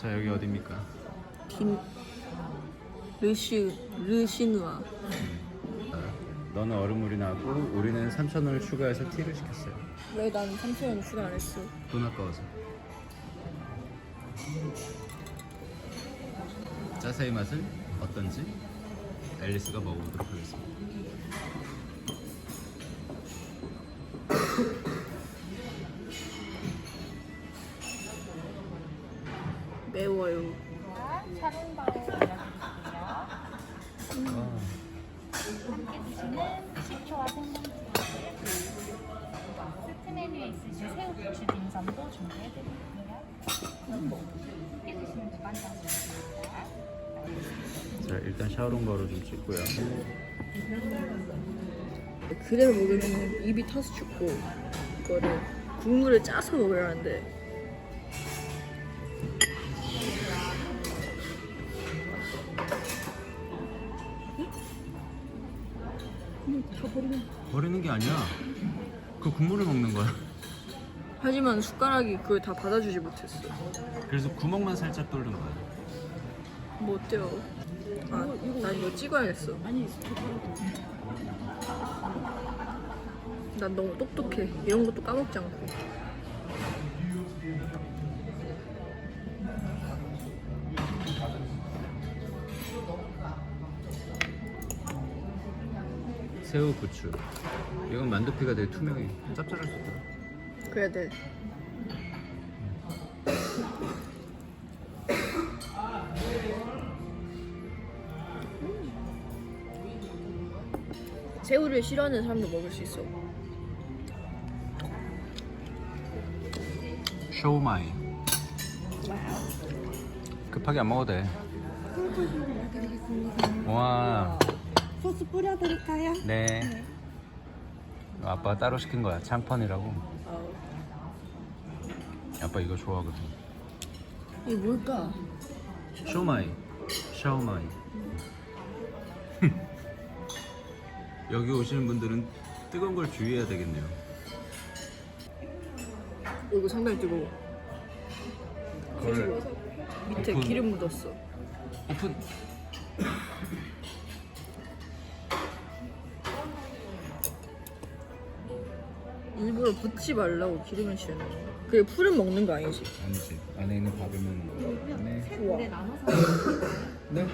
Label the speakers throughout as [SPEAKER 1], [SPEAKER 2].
[SPEAKER 1] 자, 여기 어디입니까?
[SPEAKER 2] 김 르시누아.
[SPEAKER 1] 너는 얼음물이 나고 우리는 3,000원을 추가해서 티를 시켰어요.
[SPEAKER 2] 왜 난 3,000원 추가 안 했어?
[SPEAKER 1] 돈 아까워서. 자세히 맛은 어떤지 앨리스가 먹어보도록 하겠습니다.
[SPEAKER 2] 매워요.
[SPEAKER 3] 샤론바오 올려드릴게요. 함께 드시는 식초와 생강즙 세트 메뉴에 있으신 새우 부추 빈선도 준비해드릴게요. 함께 드시면 두 반장입니다.
[SPEAKER 1] 자, 일단 샤오롱바오로 좀 찍고요.
[SPEAKER 2] 그대로 먹으면 입이 타서 죽고 이거를 국물을 짜서 먹어야 하는데
[SPEAKER 1] 버리는 게 아니야. 그 국물을 먹는 거야.
[SPEAKER 2] 하지만 숟가락이 그걸 다 받아주지 못했어.
[SPEAKER 1] 그래서 구멍만 살짝 뚫는 거야.
[SPEAKER 2] 뭐 어때요? 아, 난 이거 찍어야겠어. 난 너무 똑똑해. 이런 것도 까먹지 않고.
[SPEAKER 1] 새우 부추. 이건 만두피가 되게 투명해. 짭짤할 수 있다.
[SPEAKER 2] 그래야 돼. 새우를 싫어하는 사람도 먹을 수 있어.
[SPEAKER 1] 쇼마이. 급하게 안 먹어도 돼. 와.
[SPEAKER 4] 소스 뿌려드릴까요?
[SPEAKER 1] 네. 아빠가 따로 시킨 거야. 창펀이라고. 아빠 이거 좋아하거든.
[SPEAKER 2] 이게 뭘까?
[SPEAKER 1] 쇼마이. 샤오마이. 여기 오시는 분들은 뜨거운 걸 주의해야 되겠네요.
[SPEAKER 2] 이거 상당히 뜨거워.
[SPEAKER 1] 그걸
[SPEAKER 2] 밑에
[SPEAKER 1] 오픈.
[SPEAKER 2] 기름 묻었어.
[SPEAKER 1] 오픈.
[SPEAKER 2] 일부러 붓지 말라고 기름을 칠해. 그게 풀은 먹는 거 아니지?
[SPEAKER 1] 아니지. 안에 있는 밥을 먹는 거. 네.
[SPEAKER 2] 우와.
[SPEAKER 1] 네.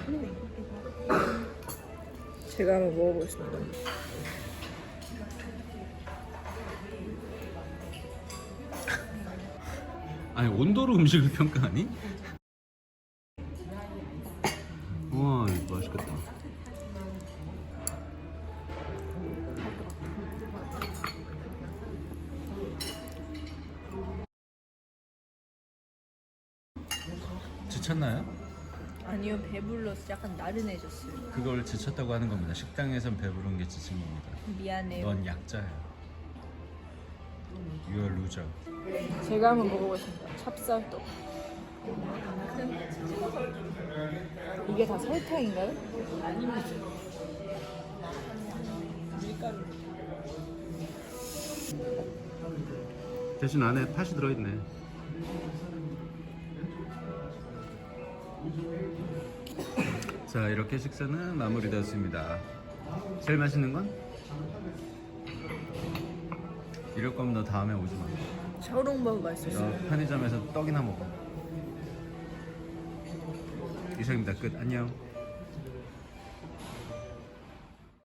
[SPEAKER 2] 제가 한번 먹어보겠습니다.
[SPEAKER 1] 아니 온도로 음식을 평가하니? 우와 이거 맛있겠다. 지쳤나요?
[SPEAKER 2] 아니요, 배불러서 약간 나른해졌어요.
[SPEAKER 1] 그걸 지쳤다고 하는 겁니다. 식당에선 배부른 게 지친 겁니다.
[SPEAKER 2] 미안해요.
[SPEAKER 1] 넌 약자야. You are loser.
[SPEAKER 2] 제가 한번 먹어보겠습니다. 찹쌀떡. 이게 다 설탕인가요?
[SPEAKER 1] 대신 안에 팥이 들어있네. 자, 이렇게 식사는 마무리되었습니다. 제일 맛있는 건? 이럴 거면 너 다음에 오지 마.
[SPEAKER 2] 샤오롱바오 맛있었어요.
[SPEAKER 1] 너 편의점에서 떡이나 먹어. 이상입니다. 끝. 안녕.